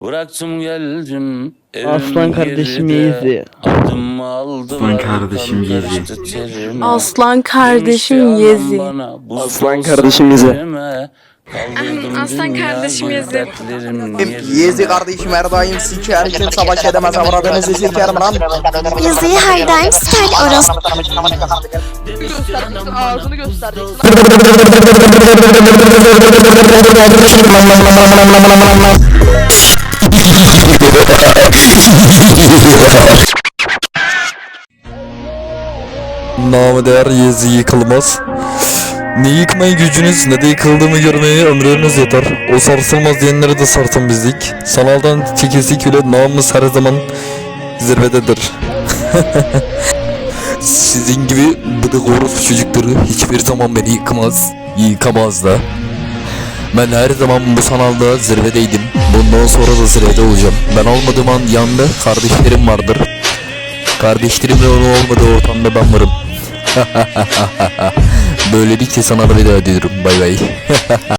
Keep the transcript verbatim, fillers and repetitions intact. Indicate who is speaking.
Speaker 1: Bıraktım geldim
Speaker 2: Aslan kardeşim Yezi.
Speaker 1: Adım aldım.
Speaker 3: Aslan kardeşim Yezi.
Speaker 4: Aslan kardeşim Yezi.
Speaker 2: Aslan kardeşim Yezi.
Speaker 4: Aslan kardeşim Yezi.
Speaker 5: Yezi kardeşim her daim siker için savaş edemez avradınızı sikerim lan.
Speaker 6: Yazıyı her daim siker orası.
Speaker 4: Göstereceksin, ağzını göstereceksin.
Speaker 7: Namı değer Yezi yıkılmaz. Ne yıkmayı gücünüz ne de yıkıldığımı görmeyi ömrünüz yeter. O sarsılmaz diyenlere de sarsın bizlik. Sanaldan çekilsek bile namımız her zaman zirvededir. Sizin gibi bıdık orospu çocukları hiçbir zaman beni yıkamaz. Yıkamaz da. Ben her zaman bu sanalda zirvedeydim. Bundan sonra da zirvede olacağım. Ben olmadığım an yanında kardeşlerim vardır. Kardeşlerimle onu olmadığı ortamda ben varım. Böylelikle sana da veda ediyorum. Bay bay.